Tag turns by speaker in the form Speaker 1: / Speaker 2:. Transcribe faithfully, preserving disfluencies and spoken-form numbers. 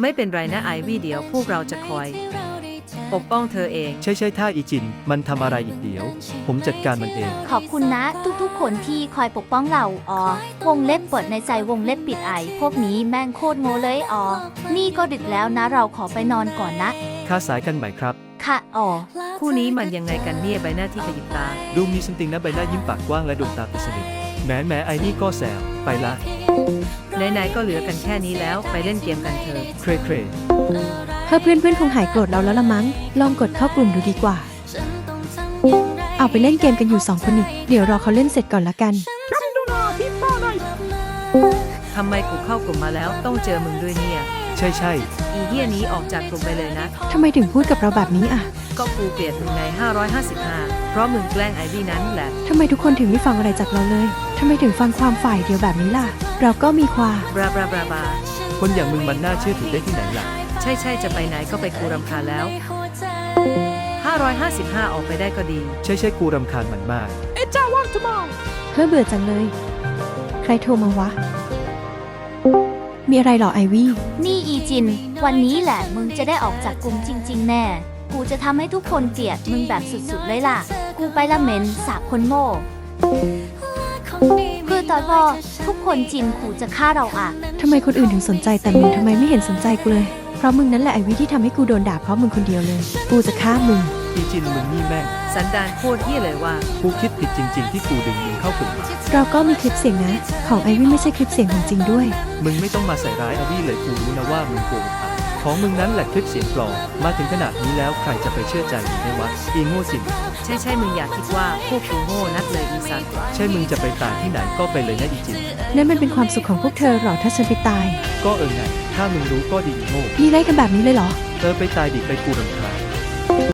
Speaker 1: ไม่เป็นไรนะไอวี่เดี๋ยวพวกเราจะคอยปกป้องเธอเอง
Speaker 2: ใช่ใช่ถ้าอีจินมันทำอะไรอีกเดี๋ยว ผมจัดการมันเอง
Speaker 3: ขอบคุณนะทุกๆคนที่คอยปกป้องเราอ๋อวงเล็บเปิดในใจวงเล็บปิดไอพวกนี้แม่งโคตรโง่เลยอ๋อนี่ก็ดึกแล้วนะเราขอไปนอนก่อนนะ
Speaker 2: ค่าสายกันใหม่ครับ
Speaker 3: ค่ะอ๋อ
Speaker 1: คู่นี้มันยังไงกันเนี่ยใบหน้าที่ขยิบตา
Speaker 2: ดูมีสติงนะใบหน้ายิ้มปากกว้างและดวงตาปิดสนิทแหม้แหม้ไอ้นี่ก็แซวไปละ
Speaker 1: ไหนๆก็เหลือกันแค่นี้แล้วไปเล่นเกมกันเถอะ
Speaker 2: เครเคร
Speaker 4: เพื่อเพื่อนเพื่อนๆคงหายโกรธเราแล้วละมั้ง ลองกดเข้ากลุ่มดูดีกว่า เอาไปเล่นเกมกันอยู่สองคนนี่เดี๋ยวรอเขาเล่นเสร็จก่อนละกัน
Speaker 1: ทำไมกูเข้ากลุ่มมาแล้วต้องเจอมึงด้วยเนี่ย
Speaker 2: ใช่ใช่
Speaker 1: อีเหี้ยนี้ออกจากกลุ่มไปเลยนะ
Speaker 4: ทำไมถึงพูดกับเราแบบนี้อ่ะ
Speaker 1: ก็กูเกลียดมึงในห้าร้อยห้าสิบห้าเพราะมึงแกล้งไอวี่นั้นแหละ
Speaker 4: ทำไมทุกคนถึงไม่ฟังอะไรจากเราเลย ทำไมถึงฟังความฝ่ายเดียวแบบนี้ล่ะ เราก็มีความ
Speaker 1: บราบราบราบา
Speaker 2: คนอย่างมึงมันน่าเชื่อถือได้ที่ไหนล่ะ
Speaker 1: ใช่ใช่จะไปไหนก็ไปกูรำคาญแล้วห้าร้อยห้าสิบห้าออกไปได้ก็ดี
Speaker 2: ใช่ใช่กูรำคาญมันมาก
Speaker 4: เพื่อเบื่อจังเลย ใครโทรมาวะ มีอะไรหรอไอวี่
Speaker 3: นี่อีจิน วันนี้แหละมึงจะได้ออกจากกลุ่มจริง ๆ แน่ กูจะทำให้ทุกคนเกลียดมึงแบบสุดๆเลยล่ะ กูไปละเหม็นสาบคนโง่คือตอนว่าทุกคนจินกูจะฆ่าเราอ่ะ
Speaker 4: ทำไมคนอื่นถึงสนใจแต่มึงทำไมไม่เห็นสนใจกูเลย เพราะมึงนั่นแหละไอวี่ที่ทำให้กูโดนด่าเพราะมึงคนเดียวเลย กูจะฆ่ามึง
Speaker 2: อีจินมึงนี่แม่ง
Speaker 1: สันดานโคตรเหี้ยเลยว่า
Speaker 2: กูคิดผิดจริง ๆ ที่กูดึงมึงเข้ากลุ่มมา
Speaker 4: เราก็มีคลิปเสียงนะ ของไอวี่ไม่ใช่คลิปเสียงของจริงด้วย
Speaker 2: มึงไม่ต้องมาใส่ร้ายอาวี่เลยกูรู้นะว่ามึงโกหกอ่ะของมึงนั้นแหละคลิปเสียงปลอมมาถึงขนาดนี้แล้วใครจะไปเชื่อใจมึงได้วะอีโง่จริง
Speaker 1: ใช่ใช่มึงอยากคิดว่าพวกกูโง่นักเลยอีสัตว์
Speaker 2: ใช่มึงจะไปตายที่ไหนก็ไปเลยนะอีจิน
Speaker 4: นั่นมันเป็นความสุขของพวกเธอหรอถ้าฉันไปตาย
Speaker 2: ก็เออไงถ้ามึงรู้ก็ดีอีโง่
Speaker 4: พี่ไล่กันแบบนี้เลยเหรอ
Speaker 2: เออไปตายดิไปกูรำคาญ